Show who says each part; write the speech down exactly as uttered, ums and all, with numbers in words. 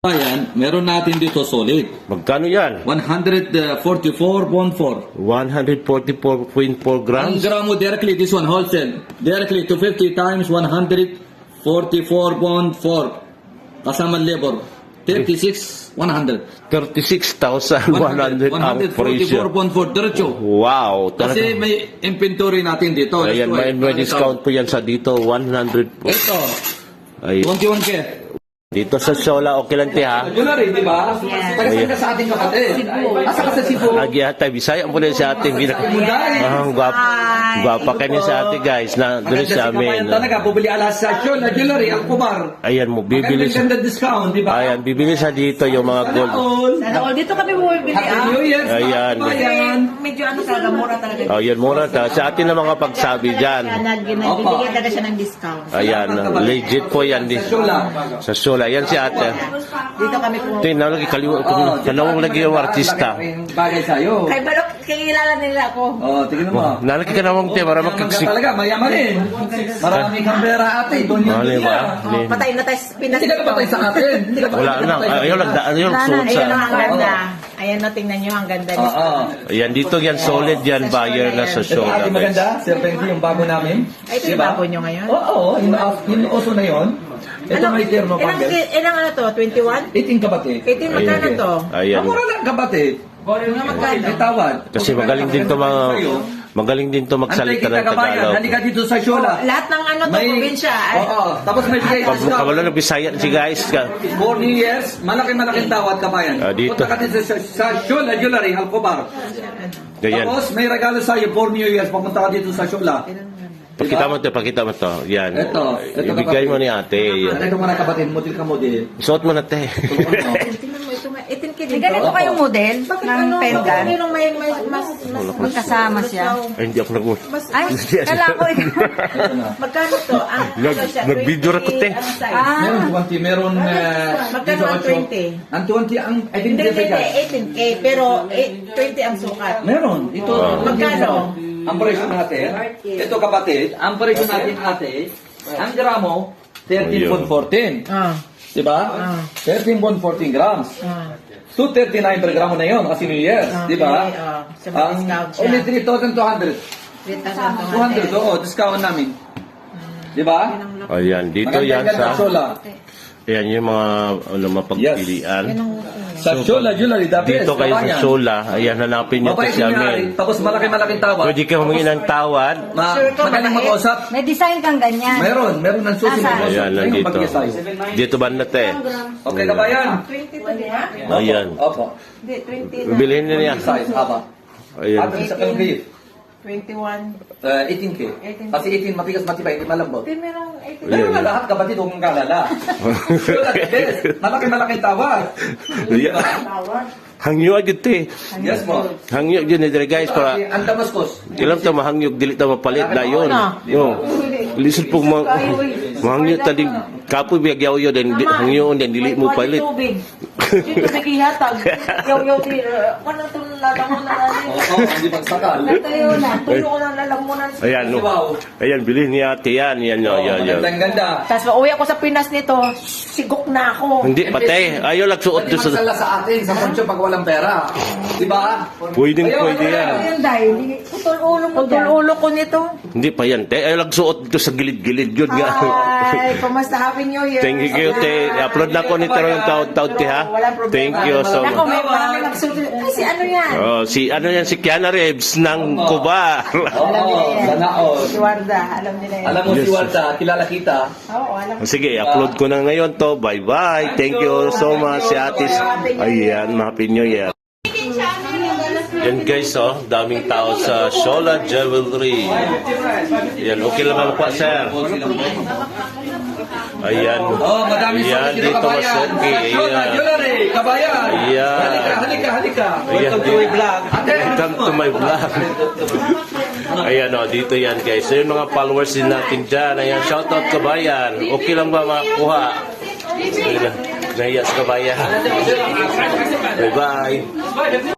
Speaker 1: Ayan, meron natin dito solid.
Speaker 2: Magkano yan?
Speaker 1: one forty-four point four.
Speaker 2: one forty-four point four
Speaker 1: Ang
Speaker 2: grams?
Speaker 1: gramo directly, this one wholesale. Directly to fifty times one forty-four point four. Kasama labor. thirty-six one hundred.
Speaker 2: thirty-six thousand one hundred ang
Speaker 1: forty-four
Speaker 2: presyo.
Speaker 1: point four diretso.
Speaker 2: Wow.
Speaker 1: Kasi
Speaker 2: Talaga.
Speaker 1: may inventory natin dito.
Speaker 2: Ayan, may, may discount po yan sa dito. one hundred po.
Speaker 1: Ito,
Speaker 2: Ay,
Speaker 1: twenty-one K.
Speaker 2: dito sa Sola, okay lang te ha?
Speaker 1: Yun na rin, di ba? Tagasan ka sa ating kapatid. Asa ka sa Cebu?
Speaker 2: Agi ata, Bisaya mo rin sa ating gina. Ah, gwapa, gwapa ka niya sa ating guys na doon sa amin.
Speaker 1: Talaga, bubili alas sa Show na jewelry, ang kumar.
Speaker 2: Ayan mo, bibili sa...
Speaker 1: Magandang discount, di ba?
Speaker 2: Ayan, bibili sa dito yung mga gold.
Speaker 3: Sana all. Dito kami bumibili
Speaker 1: Happy
Speaker 3: ah.
Speaker 1: New Year.
Speaker 2: Ayan.
Speaker 1: Ayan.
Speaker 3: Medyo ano talaga, mura talaga.
Speaker 2: Oh, yan mura ta. Sa atin na mga pagsabi dyan.
Speaker 3: Nagbibigyan talaga siya ng discount.
Speaker 2: Ayan, legit po yan. Di,
Speaker 1: Sa Shola.
Speaker 2: sa Sola. Yan si ate.
Speaker 3: Dito kami po.
Speaker 2: Tingnan lagi kaliwa ko. Kanawang lagi yung artista.
Speaker 1: Bagay sa'yo.
Speaker 3: Kay Balok, kilala nila ako.
Speaker 1: Oh, tingnan mo.
Speaker 2: Nalaki ka namang te, para
Speaker 1: Mayaman ka
Speaker 2: makagsik.
Speaker 1: talaga, mayaman rin. Marami kang pera ate. Doon yun.
Speaker 2: Mali ba?
Speaker 3: Oh, patay na tayo sa Pinas.
Speaker 1: Hindi ka patay sa atin. Hindi ka
Speaker 2: Wala na. Ayaw lang. Ayaw lang suot
Speaker 3: Ayan
Speaker 2: sa...
Speaker 3: ang ganda. Ayan na, tingnan nyo ang ganda.
Speaker 1: Oo. Oh,
Speaker 2: Ayan, dito yan. Solid yan. Buyer na sa
Speaker 1: Ito
Speaker 2: Sola.
Speaker 1: ate maganda. Serpenti yung bago namin.
Speaker 3: Ay, ito yung bago nyo ngayon?
Speaker 1: Oo, yung, yung oso na yun. Ito may termo
Speaker 3: ilang,
Speaker 1: panggal.
Speaker 3: ilang ano to? twenty-one?
Speaker 1: eighteen kabatid.
Speaker 3: eighteen magkano to?
Speaker 2: Ayan.
Speaker 1: Ang mura lang kabatid.
Speaker 3: Mga magkano?
Speaker 1: May tawad.
Speaker 2: Kasi magaling din to mga... Magaling din to magsalita ng Tagalog.
Speaker 1: Halika dito sa Shola.
Speaker 3: Lahat ng ano to, probinsya. ay-
Speaker 1: Oo. Tapos may bigay
Speaker 2: Pag
Speaker 1: discount.
Speaker 2: kabalo ng Bisaya si guys.
Speaker 1: For New Year's, malaki-malaking tawad kabayan.
Speaker 2: Ah, dito.
Speaker 1: Punta ka dito sa, sa Shola Jewelry, Halcobar.
Speaker 2: Ganyan.
Speaker 1: Tapos may regalo sa'yo for New Year's. Pumunta ka dito sa Shola.
Speaker 2: Pakita mo to, pakita mo to. Yan.
Speaker 1: Ito. Ito
Speaker 2: Ibigay mo ni ate.
Speaker 1: Ano ito mga kapatid? Model ka model.
Speaker 2: Suot mo na te.
Speaker 3: Tingnan mo ito, nga, eighteen K
Speaker 4: May
Speaker 3: dito.
Speaker 4: ganito kayong model
Speaker 3: Bakit
Speaker 4: ng
Speaker 3: ano,
Speaker 4: pendant?
Speaker 3: bakit mayroong may, may, mas, mas,
Speaker 4: Magkasama siya.
Speaker 2: Ay, hindi ako nag...
Speaker 4: Ay, kala ko eh.
Speaker 1: Ito na.
Speaker 3: Magkano to? Ang,
Speaker 2: Nag-
Speaker 3: ano siya,
Speaker 2: nag-video
Speaker 3: twenty,
Speaker 2: record eh.
Speaker 3: ano size?
Speaker 4: Ah.
Speaker 1: Meron twenty, meron... Uh,
Speaker 3: Magkano ang twenty?
Speaker 1: Ang twenty, ang... I think
Speaker 3: Hindi, hindi,
Speaker 1: guys.
Speaker 3: eighteen K, pero eh, twenty ang sukat.
Speaker 1: Meron. Ito.
Speaker 3: Magkano?
Speaker 1: Ang presyo natin. Ito kapatid. Ang presyo natin ate. Ang gramo, thirteen point one four.
Speaker 3: Ah.
Speaker 1: Diba?
Speaker 3: Ah.
Speaker 1: thirteen point one four grams.
Speaker 3: Ah.
Speaker 1: two thirty-nine per gramo na yun kasi New Year's.
Speaker 3: Ah,
Speaker 1: Diba?
Speaker 3: okay, ah. Sa mga
Speaker 1: Ang
Speaker 3: discount siya.
Speaker 1: only three thousand two hundred.
Speaker 3: three thousand
Speaker 1: two hundred, oo. Discount namin. Diba?
Speaker 2: Ayan, dito yan
Speaker 1: Maganda-ganda
Speaker 2: sa...
Speaker 1: Shola.
Speaker 2: Ayan yung mga ano, mapagpilian.
Speaker 1: Sa Shola Jewelry, the best.
Speaker 2: Dito kayo sa
Speaker 1: kabayan.
Speaker 2: Sola. Ayan, hanapin nyo
Speaker 1: Mabait
Speaker 2: kasi
Speaker 1: yung
Speaker 2: amin.
Speaker 1: may-ari, tapos malaki-malaking tawad.
Speaker 2: Pwede kayo humingi ng tawad.
Speaker 1: Ma
Speaker 3: Sure ka,
Speaker 1: magaling
Speaker 3: mabait?
Speaker 1: mag-usap.
Speaker 4: May design kang ganyan.
Speaker 1: Meron, meron ng susi.
Speaker 4: Asa?
Speaker 2: Ayan,
Speaker 1: Ayun,
Speaker 2: nandito.
Speaker 1: mag-design.
Speaker 2: Dito ba na te?
Speaker 1: Okay, kabayan.
Speaker 3: twenty to ha?
Speaker 2: Ayan.
Speaker 1: Opo.
Speaker 3: Hindi, twenty.
Speaker 2: Bilhin nyo niya.
Speaker 1: Size, haba.
Speaker 2: Ayan.
Speaker 1: At sa kayong gift,
Speaker 3: twenty-one.
Speaker 1: uh, eighteen K. Kasi eighteen matigas matibay, hindi malambot.
Speaker 3: Hindi, merong eighteen.
Speaker 1: Meron na lahat, kapatid, huwag mong kalala. Yun at best. Malaki-malaking tawad.
Speaker 2: Ayan.
Speaker 3: Tawad.
Speaker 2: Hangyo agad te.
Speaker 1: Yes po.
Speaker 2: Hangyo dyan eh guys para...
Speaker 1: Ang Damascus.
Speaker 2: Ilam ta mahangyog dili ta mapalit na yun.
Speaker 3: Ano?
Speaker 2: Yo. Lisod po ma mahangyo ta di kapoy biyag yaw yo den hangyo den dili mo palit.
Speaker 3: Tubig. Dito nagihatag. Yaw-yaw di. Kano ito lalamon na natin?
Speaker 1: Oo, hindi magsakal.
Speaker 3: Tayo na. Tulo ko ng lalamunan.
Speaker 2: Ayan no. Ayan bilhin ni ate yan yan yo yan yo.
Speaker 1: Ang ganda.
Speaker 3: Tapos uwi ako sa Pinas nito, sigok na ako.
Speaker 2: Hindi patay. Ayaw lang suot
Speaker 1: Pwede
Speaker 2: do sa
Speaker 1: magsala sa atin, sa poncho pag walang pera. Diba?
Speaker 2: pwedeng
Speaker 1: Ayaw,
Speaker 2: pwede
Speaker 1: ano
Speaker 2: yan.
Speaker 4: Ayun dahil, putol ulo mo
Speaker 3: Putol ulo ko nito.
Speaker 2: Hindi pa yan te. Ayaw lang suot do sa gilid-gilid yun nga.
Speaker 3: Ay, kumusta? Happy New Year.
Speaker 2: Thank you te. I-upload na ko nito yung taon-taon te ha.
Speaker 3: Walang problema.
Speaker 2: Thank you so
Speaker 3: Ako,
Speaker 2: much.
Speaker 3: may marami nagsulit. Ay, si ano yan?
Speaker 2: Oh, si ano yan si Kiana Rebs ng Cuba.
Speaker 1: Oo, sana all.
Speaker 3: Si Warda, alam nila yan.
Speaker 1: Alam mo si Walta, kilala kita.
Speaker 3: Oo, alam.
Speaker 2: Sige, upload ko na ngayon to. Bye-bye. Thank you so much, si Atis. Ayan, Happy New Year. Yan guys, oh, daming tao sa Sola Jewelry. Yan, okay lang ang pa, sir. Ayan.
Speaker 1: Oh, madami
Speaker 2: Ayan,
Speaker 1: dito
Speaker 2: dito mas
Speaker 1: kabayan.
Speaker 2: okay.
Speaker 1: Sa Shola
Speaker 2: Ayan.
Speaker 1: Jewelry, kabayan.
Speaker 2: Ayan.
Speaker 1: Halika, halika, halika.
Speaker 2: Ayan,
Speaker 1: Welcome to my vlog. Ate,
Speaker 2: Welcome to my vlog. Ayan, oh, dito yan guys. So, yung mga followers din natin dyan. Ayan, shoutout kabayan. Okay lang ba makakuha? Ayan, nahiya sa kabayan. Bye-bye.